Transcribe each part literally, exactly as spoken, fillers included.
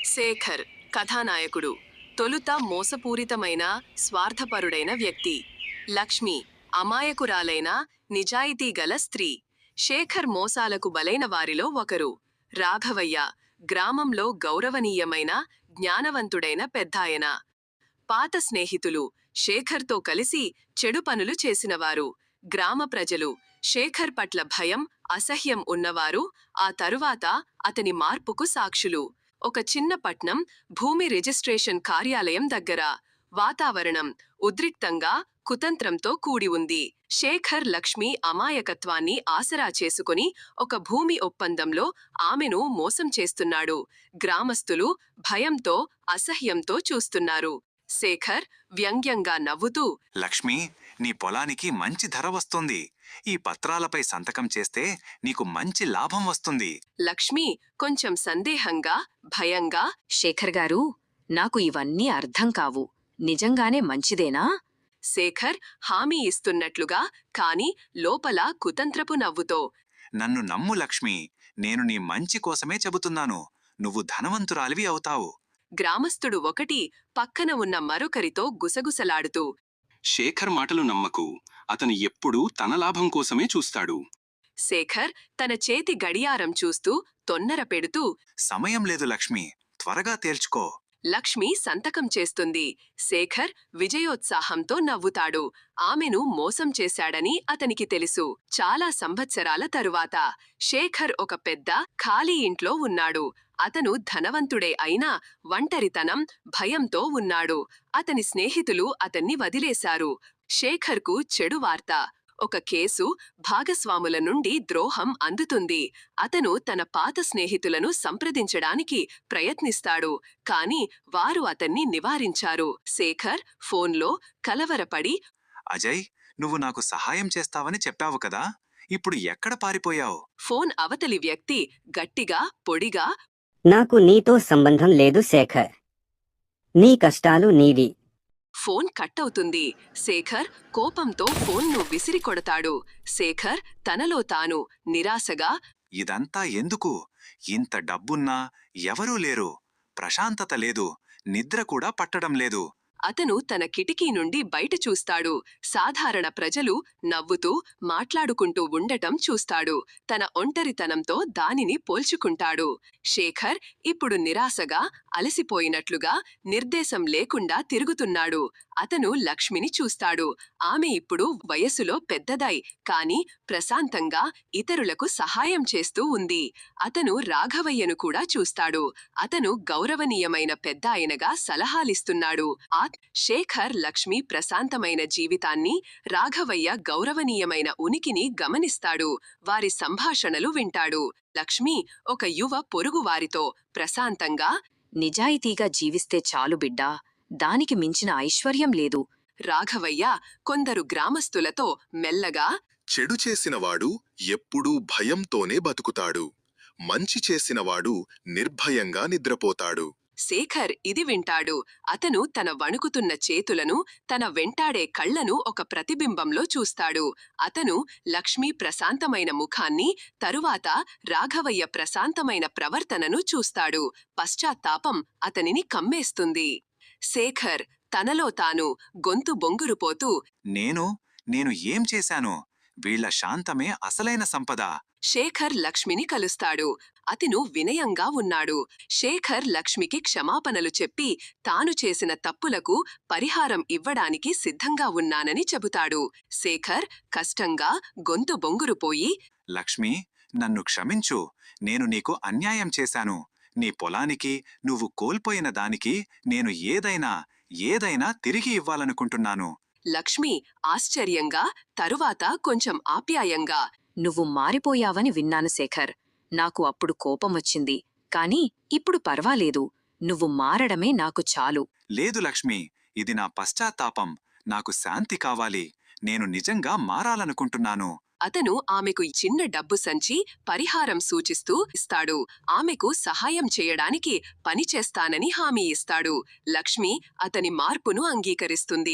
శేఖర్ కథానాయకుడు. తొలుత మోసపూరితమైన స్వార్థపరుడైన వ్యక్తి. లక్ష్మి అమాయకురాలైన నిజాయితీగల స్త్రీ. శేఖర్ మోసాలకు బలైన వారిలో ఒకరు. రాఘవయ్య గ్రామంలో గౌరవనీయమైన జ్ఞానవంతుడైన పెద్దాయన. పాత స్నేహితులు శేఖర్తో కలిసి చెడు పనులు చేసినవారు. గ్రామ ప్రజలు శేఖర్ పట్ల భయం, అసహ్యం ఉన్నవారు. ఆ తరువాత అతని మార్పుకు సాక్షులు. ఒక చిన్న పట్నం, భూమి రిజిస్ట్రేషన్ కార్యాలయం దగ్గర. వాతావరణం ఉద్రిక్తంగా, కుతంత్రంతో కూడి ఉంది. శేఖర్ లక్ష్మి అమాయకత్వాన్ని ఆసరా చేసుకుని ఒక భూమి ఒప్పందంలో ఆమెను మోసం చేస్తున్నాడు. గ్రామస్తులు భయంతో, అసహ్యంతో చూస్తున్నారు. శేఖర్ వ్యంగ్యంగా నవ్వుతూ, లక్ష్మి, నీ పొలానికి మంచి ధర వస్తుంది. ఈ పత్రాలపై సంతకం చేస్తే నీకు మంచి లాభం వస్తుంది. లక్ష్మి కొంచెం సందేహంగా, భయంగా, శేఖర్ గారు, నాకు ఇవన్నీ అర్థం కావు. నిజంగానే మంచిదేనా? శేఖర్ హామీ ఇస్తున్నట్లుగా, కాని లోపల కుతంత్రపు నవ్వుతో. నన్ను నమ్ము లక్ష్మి, నేను నీ మంచి కోసమే చెబుతున్నాను. నువ్వు ధనవంతురాలివి అవుతావు. గ్రామస్థుడు ఒకటి పక్కన ఉన్న మరొకరితో గుసగుసలాడుతూ, శేఖర్ మాటలు నమ్మకు. అతను ఎప్పుడూ తన లాభం కోసమే చూస్తాడు. శేఖర్ తన చేతి గడియారం చూస్తూ తొన్నర పెడుతూ, సమయం లేదు లక్ష్మి, త్వరగా తేల్చుకో. లక్ష్మి సంతకం చేస్తుంది. శేఖర్ విజయోత్సాహంతో నవ్వుతాడు. ఆమెను మోసం చేశాడని అతనికి తెలుసు. చాలా సంవత్సరాల తరువాత శేఖర్ ఒక పెద్ద ఖాళీ ఇంట్లో ఉన్నాడు. అతను ధనవంతుడే అయినా ఒంటరితనం, భయంతో ఉన్నాడు. అతని స్నేహితులు అతన్ని వదిలేశారు. శేఖర్కు చెడు వార్త. ఒక కేసు, భాగస్వాముల నుండి ద్రోహం అందుతుంది. అతను తన పాత స్నేహితులను సంప్రదించడానికి ప్రయత్నిస్తాడు, కాని వారు అతన్ని నివారించారు. శేఖర్ ఫోన్లో కలవరపడి, అజయ్, నువ్వు నాకు సహాయం చేస్తావని చెప్పావు కదా, ఇప్పుడు ఎక్కడ పారిపోయావు? ఫోన్ అవతలి వ్యక్తి గట్టిగా, పొడిగా, నాకు నీతో సంబంధం లేదు శేఖర్. నీ కష్టాలు నీవి. ఫోన్ కట్ అవుతుంది. శేఖర్ కోపంతో ఫోన్ను విసిరి కొడతాడు. శేఖర్ తనలో తాను నిరాశగా, ఇదంతా ఎందుకు? ఇంత డబ్బున్నా ఎవరూ లేరు. ప్రశాంతత లేదు. నిద్ర కూడా పట్టడం లేదు. అతను తన కిటికీ నుండి బయట చూస్తాడు. సాధారణ ప్రజలు నవ్వుతూ, మాట్లాడుకుంటూ ఉండటం చూస్తాడు. తన ఒంటరితనంతో దానిని పోల్చుకుంటాడు. శేఖర్ ఇప్పుడు నిరాశగా, అలసిపోయినట్లుగా, నిర్దేశం లేకుండా తిరుగుతున్నాడు. అతను లక్ష్మిని చూస్తాడు. ఆమె ఇప్పుడు వయసులో పెద్దదై, కాని ప్రశాంతంగా ఇతరులకు సహాయం చేస్తూ ఉంది. అతను రాఘవయ్యను కూడా చూస్తాడు. అతను గౌరవనీయమైన పెద్దాయనగా సలహాలిస్తున్నాడు. ఆ శేఖర్ లక్ష్మి ప్రశాంతమైన జీవితాన్ని, రాఘవయ్య గౌరవనీయమైన ఉనికిని గమనిస్తాడు. వారి సంభాషణలు వింటాడు. లక్ష్మి ఒక యువ పొరుగువారితో ప్రశాంతంగా, నిజాయితీగా జీవిస్తే చాలు బిడ్డా, దానికి మించిన ఐశ్వర్యం లేదు. రాఘవయ్య కొందరు గ్రామస్తులతో మెల్లగా, చెడు చేసినవాడు ఎప్పుడూ భయంతోనే బతుకుతాడు. మంచి చేసినవాడు నిర్భయంగా నిద్రపోతాడు. శేఖర్ ఇది వింటాడు. అతను తన వణుకుతున్న చేతులను, తన వెంటాడే కళ్లను ఒక ప్రతిబింబంలో చూస్తాడు. అతను లక్ష్మి ప్రశాంతమైన ముఖాన్ని, తరువాత రాఘవయ్య ప్రశాంతమైన ప్రవర్తనను చూస్తాడు. పశ్చాత్తాపం అతనిని కమ్మేస్తుంది. శేఖర్ తనలో తాను గొంతు బొంగురుపోతూ, నేను నేను ఏం చేశాను? వీళ్ల శాంతమే అసలైన సంపద. శేఖర్ లక్ష్మిని కలుస్తాడు. అతను వినయంగా ఉన్నాడు. శేఖర్ లక్ష్మికి క్షమాపణలు చెప్పి తాను చేసిన తప్పులకు పరిహారం ఇవ్వడానికి సిద్ధంగా ఉన్నానని చెబుతాడు. శేఖర్ కష్టంగా గొంతు బొంగురుపోయి, లక్ష్మి, నన్ను క్షమించు. నేను నీకు అన్యాయం చేశాను. నీ పొలానికి, నువ్వు కోల్పోయిన దానికి నేను ఏదైనా ఏదైనా తిరిగి ఇవ్వాలనుకుంటున్నాను. లక్ష్మి ఆశ్చర్యంగా, తరువాత కొంచెం ఆప్యాయంగా, నువ్వు మారిపోయావని విన్నాను శేఖర్. నాకు అప్పుడు కోపమొచ్చింది, కాని ఇప్పుడు పర్వాలేదు. నువ్వు మారడమే నాకు చాలు. లేదు లక్ష్మి, ఇది నా పశ్చాత్తాపం. నాకు శాంతి కావాలి. నేను నిజంగా మారాలనుకుంటున్నాను. అతను ఆమెకు చిన్న డబ్బు సంచి పరిహారం సూచిస్తూ ఇస్తాడు. ఆమెకు సహాయం చేయడానికి పనిచేస్తానని హామీ ఇస్తాడు. లక్ష్మి అతని మార్పును అంగీకరిస్తుంది.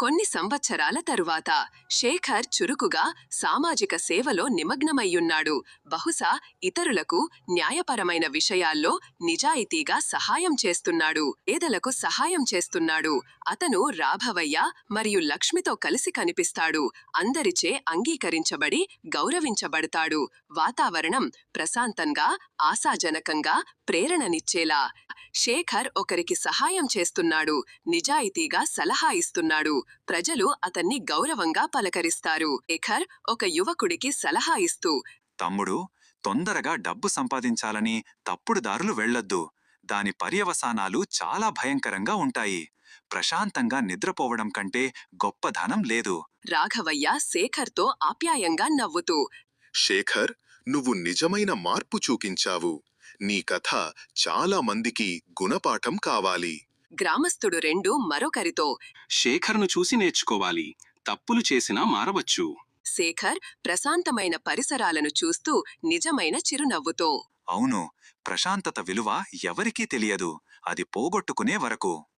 కొన్ని సంవత్సరాల తరువాత శేఖర్ చురుకుగా సామాజిక సేవలో నిమగ్నమయ్యున్నాడు. బహుశా ఇతరులకు న్యాయపరమైన విషయాల్లో నిజాయితీగా సహాయం చేస్తున్నాడు. పేదలకు సహాయం చేస్తున్నాడు. అతను రాఘవయ్య మరియు లక్ష్మితో కలిసి కనిపిస్తాడు. అందరిచే అంగీకరించబడి గౌరవించబడతాడు. వాతావరణం ప్రశాంతంగా, ఆశాజనకంగా, ప్రేరణనిచ్చేలా. శేఖర్ ఒకరికి సహాయం చేస్తున్నాడు. నిజాయితీగా సలహా ఇస్తున్నాడు. ప్రజలు అతన్ని గౌరవంగా పలకరిస్తారు. శేఖర్ ఒక యువకుడికి సలహా ఇస్తూ, తమ్ముడు, తొందరగా డబ్బు సంపాదించాలని తప్పుడు దారులు వెళ్ళొద్దు. దాని పర్యవసానాలు చాలా భయంకరంగా ఉంటాయి. ప్రశాంతంగా నిద్రపోవడం కంటే గొప్ప ధనం లేదు. రాఘవయ్య శేఖర్తో ఆప్యాయంగా నవ్వుతూ, శేఖర్, నువ్వు నిజమైన మార్పు చూపించావు. నీ కథ చాలా మందికి గుణపాఠం కావాలి. గ్రామస్థుడు రెండు మరొకరితో, శేఖర్ను చూసి నేర్చుకోవాలి. తప్పులు చేసినా మారవచ్చు. శేఖర్ ప్రశాంతమైన పరిసరాలను చూస్తూ నిజమైన చిరునవ్వుతో, అవును, ప్రశాంతత విలువ ఎవరికీ తెలియదు. అది పోగొట్టుకునే వరకు.